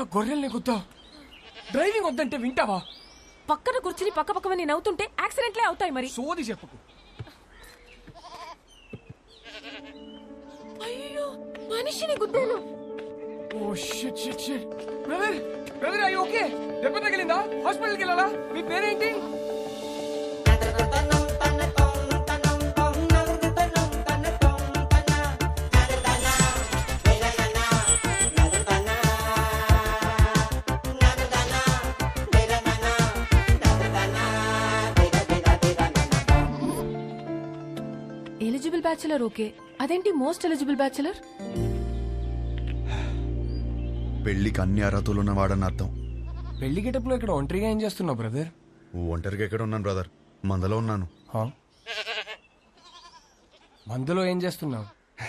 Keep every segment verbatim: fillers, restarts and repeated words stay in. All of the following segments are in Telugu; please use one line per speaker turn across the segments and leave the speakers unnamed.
గొర్రెల్ని గుద్దా డ్రైవింగ్ వద్దంటే వింటావా?
పక్కన కూర్చుని పక్క పక్కవని నవ్వుతుంటే యాక్సిడెంట్లే అవుతాయి మరి.
సోది చెప్పుకు.
అయ్యో మనిషిని గుద్దాను.
Oh shit shit shit. Brother brother అయ్యి ఓకే? దెబ్బ తగిలిందా? హాస్పిటల్కి వెళ్ళాలా? మీ పేరేంటి?
ఎలిజిబుల్ బ్యాచులర్ ఓకే, అదేంటి మోస్ట్ ఎలిజిబుల్ బ్యాచులర్?
పెళ్లికి అన్ని అర్హతలు ఉన్నవాడని అర్థం.
పెళ్లి గెటప్లో ఇక్కడ ఒంటరిగా ఏం చేస్తున్నావు బ్రదర్?
ఒంటరిగా ఎక్కడ ఉన్నాను బ్రదర్, మందలో ఉన్నాను.
మందులో ఏం చేస్తున్నావు?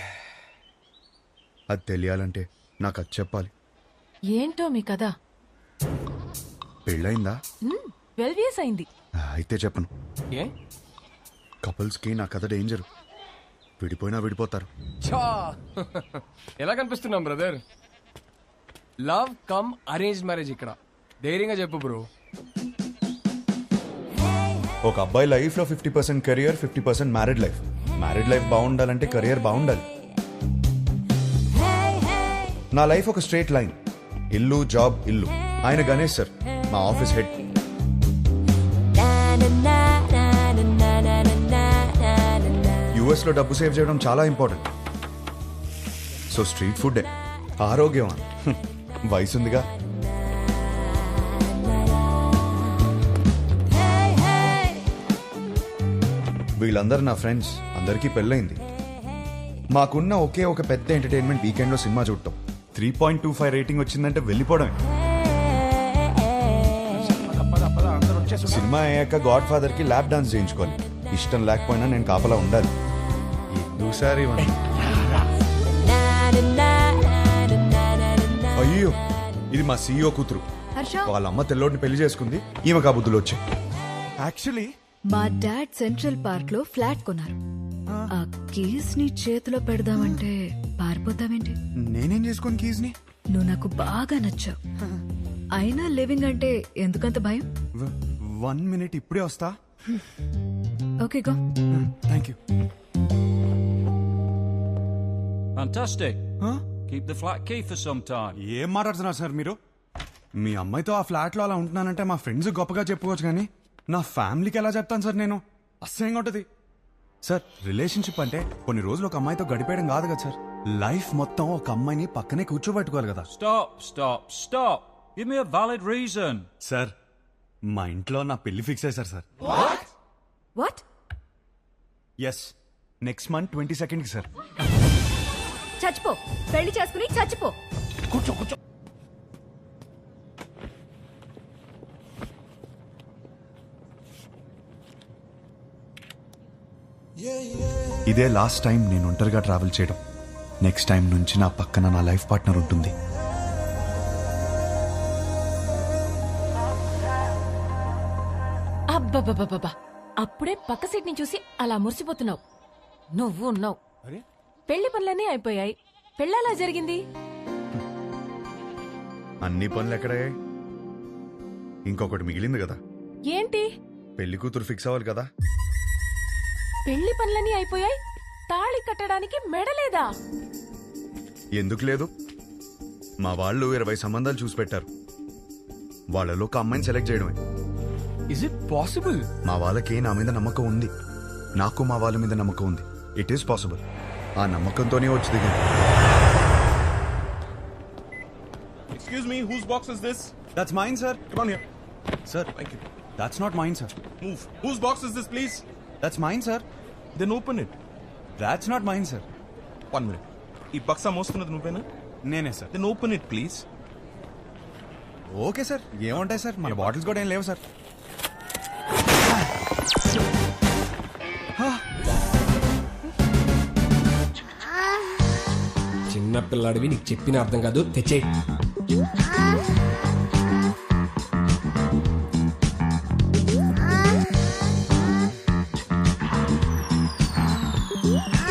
అది తెలియాలంటే నాకు అది చెప్పాలి.
ఏంటో మీ కదా?
పెళ్ళయిందా?
ట్వెల్వ్ ఇయర్స్ అయింది.
అయితే చెప్పను.
ఏ?
కపుల్స్కి నా కథ డేంజర్. విడిపోయినా విడిపోతారు.
చా ఎలా కనిపిస్తున్నాం brother? Love cum arrange marriage ఇక్కడ. ధైర్యంగా చెప్పు బ్రో.
ఒక అబ్బాయి లైఫ్ లో fifty percent career, fifty percent married life. Married life బాగుండాలంటే కెరియర్ బాగుండాలి. నా లైఫ్ ఒక స్ట్రేట్ లైన్. ఇల్లు జాబ్ ఇల్లు. ఆయన గణేష్ సార్, మా ఆఫీస్ హెడ్. యుఎస్ లో డబ్బు సేవ్ చేయడం చాలా ఇంపార్టెంట్. సో స్ట్రీట్ ఫుడ్ ఆరోగ్యం. వయసుందిగా. వీళ్ళందరూ నా ఫ్రెండ్స్. అందరికీ పెళ్ళైంది. మాకున్న ఒకే ఒక పెద్ద ఎంటర్టైన్మెంట్ వీకెండ్ లో సినిమా చూడటం. Three point two five rating వచ్చిందంటే వెళ్ళిపోవడమే. సినిమా అయ్యాక గాడ్ ఫాదర్ కి ల్యాప్ డాన్స్ చేయించుకోవాలి. ఇష్టం లేకపోయినా నేను కాపలా ఉండాలి. ఎందుసారి అయ్యో, ఇది మా సీఈఓ కూతురు. వాళ్ళ అమ్మ తెల్లోడిని పెళ్లి చేసుకుంది. ఈమె కాబుద్దులు వచ్చాయి.
యాక్చువల్లీ
మా డాడ్ సెంట్రల్ పార్క్ లో ఫ్లాట్ కొన్నారు. ఆ కీస్ ని చేతిలో పెడదామంటే పారిపోతావేంటి?
నేనేం చేసుకోను కీస్ ని.
నువ్వు నాకు బాగా నచ్చావు. అయినా లివింగ్ అంటే ఎందుకంత భయం?
వన్ మినిట్, ఇప్పుడే వస్తా.
Okay go.
Thank you.
Fantastic.
Huh?
Keep the flat key for some time.
ఏం మాట్లాడుతున్నారు సార్ మీరు? మీ అమ్మాయితో ఆ ఫ్లాట్ లో అలా ఉంటున్నానంటే మా ఫ్రెండ్స్ గొప్పగా చెప్పుకోవచ్చు, కానీ నా ఫ్యామిలీకి ఎలా చెప్తాను సార్ నేను? అసహ్యంగా ఉంటుంది సార్. రిలేషన్షిప్ అంటే కొన్ని రోజులు ఒక అమ్మాయితో గడిపేయడం కాదు కదా సార్. లైఫ్ మొత్తం ఒక అమ్మాయిని పక్కనే కూర్చోబెట్టుకోవాలి కదా.
Stop, stop, stop. Give me a valid reason.
Sir, మా ఇంట్లో నా పెళ్లి ఫిక్స్ అయ్యారు sir.
What?
Yes, next month twenty second కి సార్.
చచ్చిపో, పెళ్లి చేసుకుని చచ్చిపో.
కూర్చో కూర్చో.
ఇదే లాస్ట్ టైం నేను ఒంటరిగా ట్రావెల్ చేయడం. నెక్స్ట్ టైం నుంచి నా పక్కన నా లైఫ్ పార్ట్నర్ ఉంటుంది.
అబ్బబ్బబ్బబ్బా, అప్పుడే పక్క సీట్ ని చూసి అలా మురిసిపోతున్నావు. నువ్వు ఉన్నావు. పెళ్లి పనులన్నీ అయిపోయాయి. పెళ్ళలా జరిగింది.
అన్ని పనులు ఎక్కడయ్యాయి? ఇంకొకటి మిగిలింది కదా.
ఏంటి?
పెళ్లి కూతురు ఫిక్స్ అవ్వాలి కదా.
పెళ్లి పనులన్నీ అయిపోయాయి, తాళి కట్టడానికి మెడలేదా?
ఎందుకు లేదు? మా వాళ్ళు ఇరవై సంబంధాలు చూసి పెట్టారు. వాళ్ళలో ఒక అమ్మాయిని సెలెక్ట్ చేయడమే.
Is it possible?
మా వాళ్ళకి నా మీద నమ్మకం ఉంది. నాకు మా వాళ్ళ మీద నమ్మకం ఉంది. It is possible. ఆ నమ్మకంతోనే వచ్చి దిగింది.
Excuse me, whose box is this?
That's mine, sir.
Come on here.
Sir,
Thank you.
that's not mine, sir.
Move. Whose box is this, please?
That's mine, sir.
Then open it.
That's not mine, sir.
One minute. ఈ బక్సా మోస్తున్నది నువ్వేనా?
నేనే sir.
Then open it, please.
Okay sir, ఏముంటాయి సార్, మన బాటిల్స్ కూడా ఏం లేవు సార్.
చిన్న పిల్లాడివి, నీకు చెప్పిన అర్థం కాదు. తెచ్చే.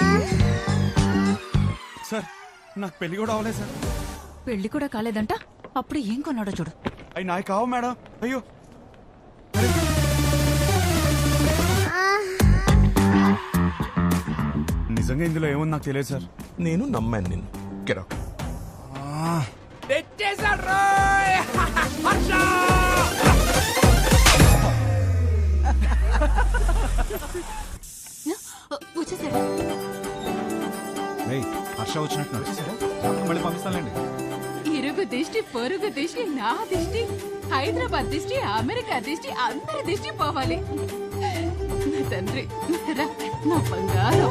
సార్, నాకు పెళ్లి కూడా అవ్వలేదు సార్.
పెళ్లి కూడా కాలేదంట.
అప్పుడు ఏం కొన్నాడో చూడు.
అవి నాయి కావు మేడం. అయ్యో నిజంగా ఇందులో ఏముంది నాకు తెలియదు సార్.
నేను నమ్మాను నిన్ను. Get out.
వచ్చేసాడా?
ఏయ్, హర్ష వచ్చినట్టు వచ్చేసారా? మళ్ళీ పంపిస్తానండి.
ఇరుగు దిష్టి పొరుగు దిష్టి నా దిష్టి హైదరాబాద్ దిష్టి అమెరికా దిష్టి అందరి దిష్టి పోవాలి. నా తండ్రి రా, నా బంగారం.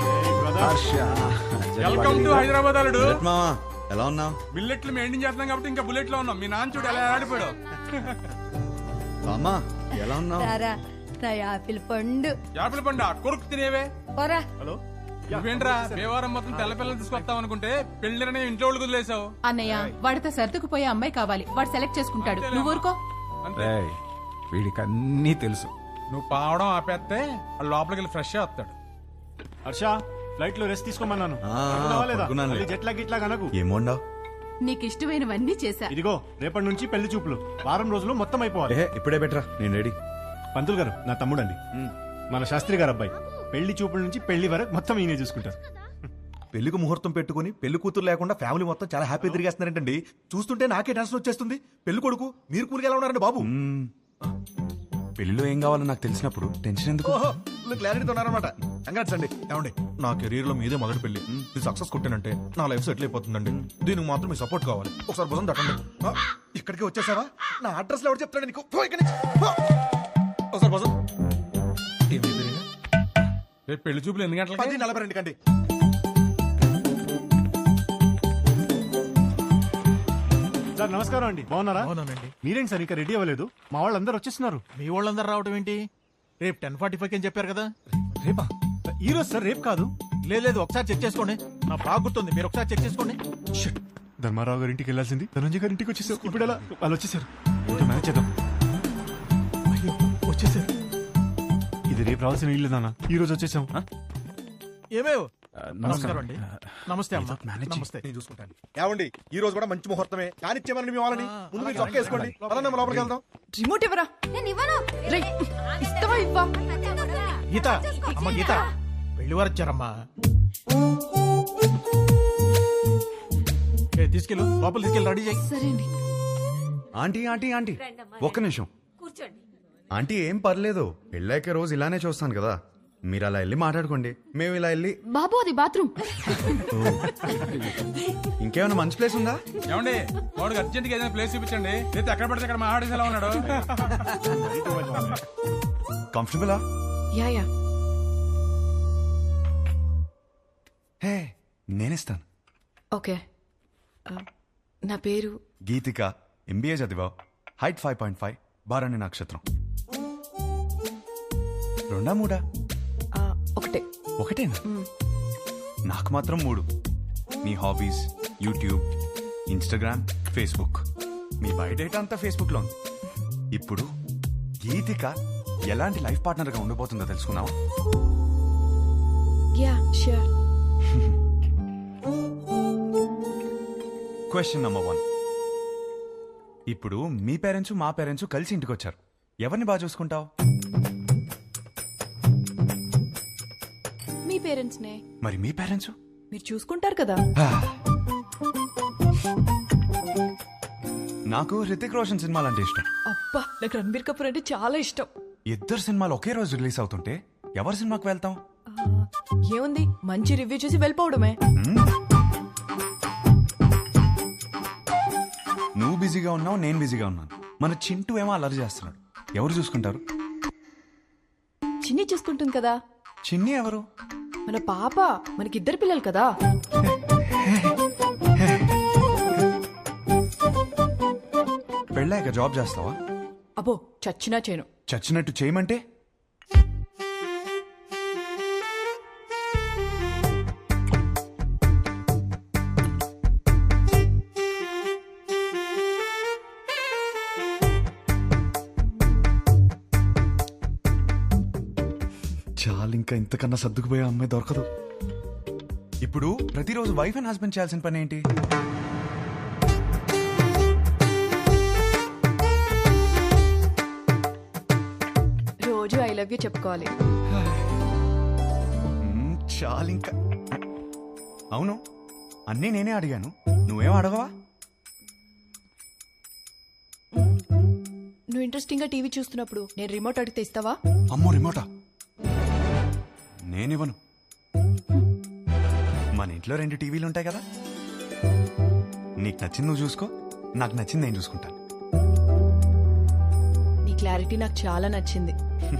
వెల్కమ్ టు హైదరాబాద్ అల్లుడు.
మామా ఎలా ఉన్నావు?
బిల్లెట్లు మెయింటైన్ చేస్తున్నాం కాబట్టి ఇంకా బుల్లెట్ లో ఉన్నాం. మీ నాన్న చూడు ఎలా ఆడిపోయాడు.
అమ్మా ఎలా ఉన్నావు?
నా యాపిల్ పండు.
యాపిల్ పండు కొరుకు తినేవే.
పోరా.
హలో నువ్వేంట్రా దేవారం మొత్తం తెల్ల పిల్లలు తీసుకొస్తావు అనుకుంటే పెళ్లిరనే ఇంట్లో వాళ్ళు వదిలేసావు.
అన్నయ్య వాడితో సర్దుకుపోయే అమ్మాయి కావాలి, వాడు సెలెక్ట్ చేసుకుంటాడు. నువ్వు ఊరుకో.
వీడికి అన్నీ తెలుసు.
నువ్వు పావడం ఆపేస్తే లోపలికి వెళ్ళి ఫ్రెష్ వస్తాడు.
హర్ష ఫ్లైట్ లో రెస్ట్ తీసుకోమన్నాను.
ఆ, పడుకున్నానులే.
జెట్లా గిట్లా కనకు.
ఏమోండావు?
నీకు ఇష్టమైనవన్నీ చేశా.
ఇదిగో రేపటి నుంచి పెళ్లి చూపులు వారం రోజులు మొత్తం అయిపోవాలి.
ఏ ఇప్పుడే బెటరా, నేను రెడీ.
పంతులు గారు నా తమ్ముడండి, మన శాస్త్రి గారు అబ్బాయి. పెళ్లి చూపుల నుంచి పెళ్లి వరకు మొత్తం ఈయనే చూసుకుంటారు.
పెళ్లికి ముహూర్తం పెట్టుకుని పెళ్లి కూతురు లేకుండా ఫ్యామిలీ మొత్తం చాలా హ్యాపీ తిరిగేస్తున్నారంటండి. చూస్తుంటే నాకే టెన్షన్ వచ్చేస్తుంది. పెళ్లి కొడుకు మీరు కూలికి ఎలా ఉన్నారండి బాబు?
పెళ్లిలో ఏం కావాలో నాకు తెలిసినప్పుడు టెన్షన్ ఎందుకు?
క్లారిటీతో ఉన్నారనమాట. కంగ్రాట్స్ అండి. ఏమండి నా కెరీర్ లో మీదే మొదటి పెళ్లి. ఇది సక్సెస్ కొట్టానంటే నా లైఫ్ సెటిల్ అయిపోతుందండి. దీనికి మాత్రం మీ సపోర్ట్ కావాలి. ఒకసారి భుజం తట్టండి. ఆ, ఇక్కడికి వచ్చేసావా? నా అడ్రస్ లో ఎవరు చెప్తాడు నీకు? పో ఇక్కడి నుంచి. పో. ఒకసారి భుజం.
రేపు పెళ్లి చూపులు ఎన్ని గంటలకి?
పది నలభై రెండు కండి.
సార్ నమస్కారం అండి, బాగున్నారా? మీరేంటి సార్ ఇంకా రెడీ అవ్వలేదు? మా వాళ్ళందరూ వచ్చేస్తున్నారు.
మీ వాళ్ళందరూ రావడం ఏంటి? రేపు టెన్ ఫార్టీ ఫైవ్ అని చెప్పారు కదా.
రేపా? ఈ రోజు సార్, రేపు కాదు.
లేదు లేదు ఒకసారి చెక్ చేసుకోండి. నా బాగా గుర్తుంది, మీరు ఒకసారి చెక్ చేసుకోండి.
షిట్. ధర్మారావు గారి ఇంటికి వెళ్ళాల్సింది ధనంజయ్ గారి ఇంటికి వచ్చేసారు. ఇప్పుడు ఎలా? వాళ్ళు వచ్చేసారు. ఏంటో మేనేజ్ చేద్దాం. అయ్యో వచ్చేసారు. ఇది రేపు రావాల్సిన ఇల్లు నాన్న, ఈ రోజు వచ్చేసాం.
ఏమేవ్ నమస్కారం అండి. నమస్తే అమ్మా. నమస్తే. నేను చూసుకుంటాను. ఏమండి ఈ రోజు కూడా మంచి ముహూర్తమే. కానిచ్చేమని మీ వాళ్ళని ముందు మీరు చొక్క వేసుకోండి. పదండి అమ్మ, లోపలికి వెళ్దాం.
రిమోట్ ఇవ్వరా. రేయ్, ఇస్తావా ఇవ్వా?
గీత అమ్మ, గీత పెళ్లి వారు వచ్చారమ్మా. ఏ, తీసుకెళ్ళు లోపల తీసుకెళ్ళి రెడీ చేయి.
సరే అండి.
ఆంటీ ఆంటీ ఆంటీ ఒక్క నిమిషం. ఆంటీ ఏం పర్లేదు, పెళ్ళాక రోజు ఇలానే చూస్తాను కదా. మీరు అలా వెళ్ళి మాట్లాడుకోండి, మేము ఇలా వెళ్ళి.
బాబు అది బాత్రూమ్.
ఇంకేమైనా మంచి ప్లేస్ ఉందా?
ఏమండి వాడికి అర్జెంట్ గా ఏదైనా ప్లేస్ చూపించండి. లేదా ఎక్కడ పడితే అక్కడ మా ఆడేసి ఎలా ఉన్నాడు.
కంఫర్టబులా?
Yeah yeah.
హే నేనిస్తాను.
ఓకే. ఆ, నా పేరు
గీతిక, ఎంబీఏ చదివావు, హైట్ ఫైవ్ పాయింట్ ఫైవ్, బారాణి నక్షత్రం. రెండా మూడా?
ఆ, ఒకటే.
ఒకటేనా? నాకు మాత్రం మూడు. మీ హాబీస్, యూట్యూబ్, ఇన్స్టాగ్రామ్, ఫేస్బుక్. మీ బయోడేటా అంతా ఫేస్బుక్ లో ఉంది. ఇప్పుడు గీతిక ఎలాంటి లైఫ్ పార్ట్నర్ గా ఉండబోతుందో తెలుసుకున్నావా?
Yeah sure.
Question number one. ఇప్పుడు మీ పేరెంట్స్ మా పేరెంట్స్ కలిసి ఇంటికి వచ్చారు. ఎవరిని బాగా చూసుకుంటావు?
మీ పేరెంట్స్ నే.
మరి మీ పేరెంట్స్?
మీరు చూసుకుంటారు కదా.
నాకు హృతిక్ రోషన్ సినిమాలు అంటే ఇష్టం.
అబ్బా, నాకు రణబీర్ కపూర్ అంటే చాలా ఇష్టం.
ఇద్దరు సినిమాలు ఒకే రోజు రిలీజ్ అవుతుంటే ఎవరి సినిమాకి వెళ్తాం?
ఆ, ఏముంది, మంచి రివ్యూ చూసి వెళ్ళిపోవడమే.
నువ్వు బిజీగా ఉన్నావు, నేను బిజీగా ఉన్నాను. మన చింటూ ఏమో అల్లరి చేస్తున్నాడు. ఎవరు చూసుకుంటారు?
చిన్ని చూసుకుంటుంది కదా.
చిన్ని ఎవరు?
మన పాప. మనకిద్దరు పిల్లలు కదా.
పెళ్ళాక జాబ్ చేస్తావా?
అబ్బో, చచ్చినా చేయను.
చచ్చినట్టు చేయమంటే? చాలు, ఇంకా ఇంతకన్నా సర్దుకుపోయే అమ్మాయి దొరకదు. ఇప్పుడు ప్రతిరోజు వైఫ్ అండ్ హస్బెండ్ చేయాల్సిన పని ఏంటి?
లవ్ యూ చెప్పుకోవాలి.
మ్మ్, చాలు ఇంకా. అవును అన్నీ నేనే అడిగాను, నువ్వేం అడగవా?
నువ్వు ఇంట్రెస్టింగ్ గా టీవీ చూస్తున్నప్పుడు నేను రిమోట్ అడిగితే ఇస్తావా?
అమ్మో రిమోటా? నేనివ్వను. మన ఇంట్లో రెండు టీవీలు ఉంటాయి కదా, నీకు నచ్చింది నువ్వు చూసుకో, నాకు నచ్చింది నేను చూసుకుంటాను.
నీ క్లారిటీ నాకు చాలా నచ్చింది.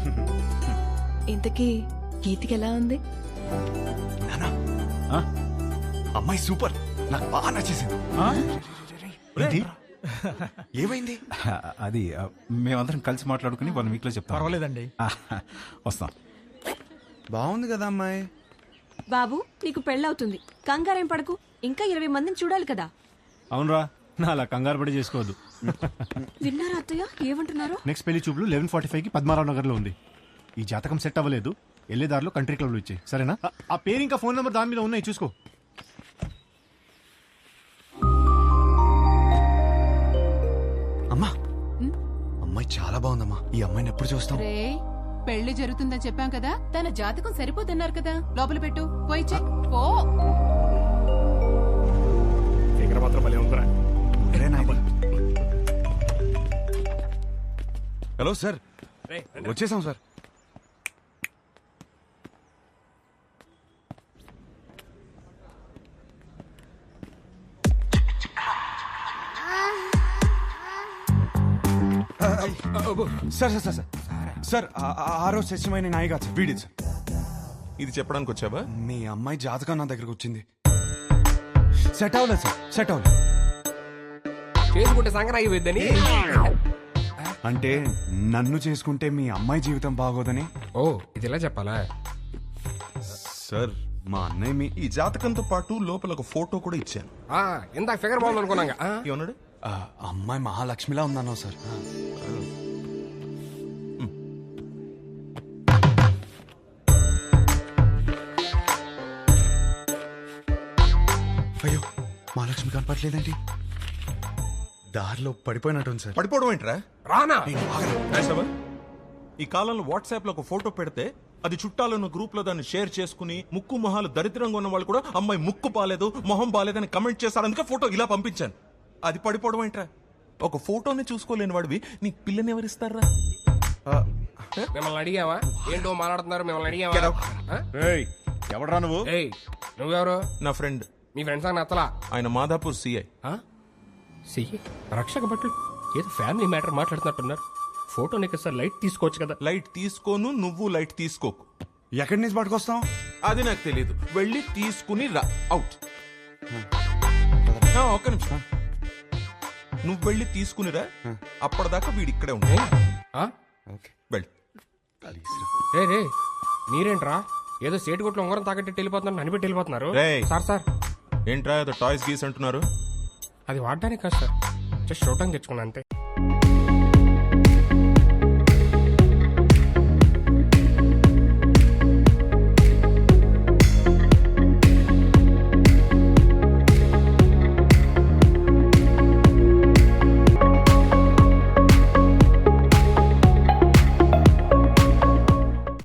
ఇంతకీ గీతికి ఎలా ఉంది?
నానా అమ్మాయి సూపర్, నాకు బాగా నచ్చేసింది.
ఏంటి?
ఏమైంది?
అది ఆ, మేమందరం కలిసి మాట్లాడుకుని వన్ వీక్ లో చెప్తాం.
పర్వాలేదండి.
వస్తాం.
బాగుంది కదా అమ్మాయి.
బాబు నీకు పెళ్ళవుతుంది, కంగారేం పడకు, ఇంకా ఇరవై మందిని చూడాలి కదా.
అవునరా, నా అలా కంగారు పడి చేసుకోవద్దు.
విన్నారా అత్తయ్య ఏమంటున్నారు?
నెక్స్ట్ పెళ్లి చూపులు లెవెన్ ఫార్టీ ఫైవ్ కి పద్మారావు నగర్ లో ఉంది. ఈ జాతకం సెట్ అవ్వలేదు, వెళ్ళేదారిలో కంట్రీ క్లబ్ లో ఇచ్చాయి, సరేనా? ఆ- ఆ పేరు ఇంకా ఫోన్ నెంబర్ దాని మీద ఉన్నాయి, చూసుకో.
అమ్మా అమ్మాయి చాలా బాగుందమ్మా, ఈ అమ్మాయిని ఎప్పుడు చూస్తాం?
రే పెళ్లి జరుగుతుందని చెప్పాం కదా, తన జాతకం సరిపోతున్నారు కదా, లోపల పెట్టు, పోయి చెక్ పో.
ఒరే నాయనా. హలో సార్, వచ్చేసాం sir. Sir sir sir sir sir ఆ- ఆ- ఆ రోజు సత్యమైన నాయి కాదు సార్, వీడిది సార్.
ఇది చెప్పడానికి వచ్చావా?
మీ అమ్మాయి జాతకం నా దగ్గరకు వచ్చింది. సెట్ అవ్వలేదు సార్, సెట్ అవ్వలేదు.
చేసుకుంటే సంక్రాంతి అయిపోద్దని.
అంటే నన్ను చేసుకుంటే మీ అమ్మాయి జీవితం బాగోదని.
ఓ ఇది ఇలా చెప్పాలా?
సార్
మా అన్నయ్య మీ
ఈ జాతకంతో పాటు లోపల ఒక ఫోటో కూడా ఇచ్చాను.
ఆ, ఇందాక ఫిగర్ బాగుంది అనుకున్నాగా. ఆ,
ఏమన్నాడు?
ఆ, అమ్మాయి మహాలక్ష్మిలా ఉందన్నా సార్. అయ్యో మహాలక్ష్మి కనపట్లేదండి, దారిలో పడిపోయినట్టుంది సార్.
పడిపోవడం ఏంట్రా?
రానా?
రాసావా? ఈ కాలంలో వాట్సాప్ లో ఒక ఫోటో పెడితే అది చుట్టాలను గ్రూప్ లో దాన్ని షేర్ చేసుకుని ముక్కు మొహాలు దరిద్రంగా ఉన్న వాళ్ళు కూడా అమ్మాయి ముక్కు బాలేదు మొహం బాలేదని కమెంట్ చేశారు, అందుకే ఫోటో ఇలా పంపించాను. అది పడిపోవడం ఏంట్రా? ఒక ఫోటోని చూసుకోలేని వాడివి నీ పిల్లని ఎవరిస్తారా?
మిమ్మల్ని అడిగావా? ఏంటో మాట్లాడుతున్నారు, మిమ్మల్ని అడిగావా? ఆ?
ఎవడరా నువ్వు?
ఏయ్ నువ్వెవరు?
నా ఫ్రెండ్,
మీ ఫ్రెండ్స్ అని నచ్చలా?
ఆయన మాదాపూర్ సిఐ.
సియ్యి రక్షక భటులు ఏదో ఫ్యామిలీ మ్యాటర్ మాట్లాడుతున్నట్టున్నారు. ఫోటో నీకు సార్ లైట్ తీసుకోవచ్చు కదా.
లైట్ తీసుకోను, నువ్వు లైట్ తీసుకోకు.
ఎక్కడి నుంచి పట్టుకొస్తాం?
అది నాకు తెలియదు, వెళ్ళి తీసుకుని రా. అవుట్. ఆ, ఒక్క నిమిషం, నువ్వు వెళ్ళి తీసుకునిరా, అప్పటిదాకా వీడి ఇక్కడే ఉంటాయి. వెళ్ళి
రే రే మీరేంట్రా ఏదో సేటు కొట్లు ఉంగరం తాకట్టి వెళ్ళిపోతున్నారు, నన్ను పెట్టి వెళ్ళిపోతున్నారు.
రేయ్.
సార్ సార్
ఏంట్రా ఏదో టాయ్స్ గీస్ అంటున్నారు?
అది వాడడానికి కాదు సార్, జస్ట్ చూడటానికి తెచ్చుకున్నా అంతే.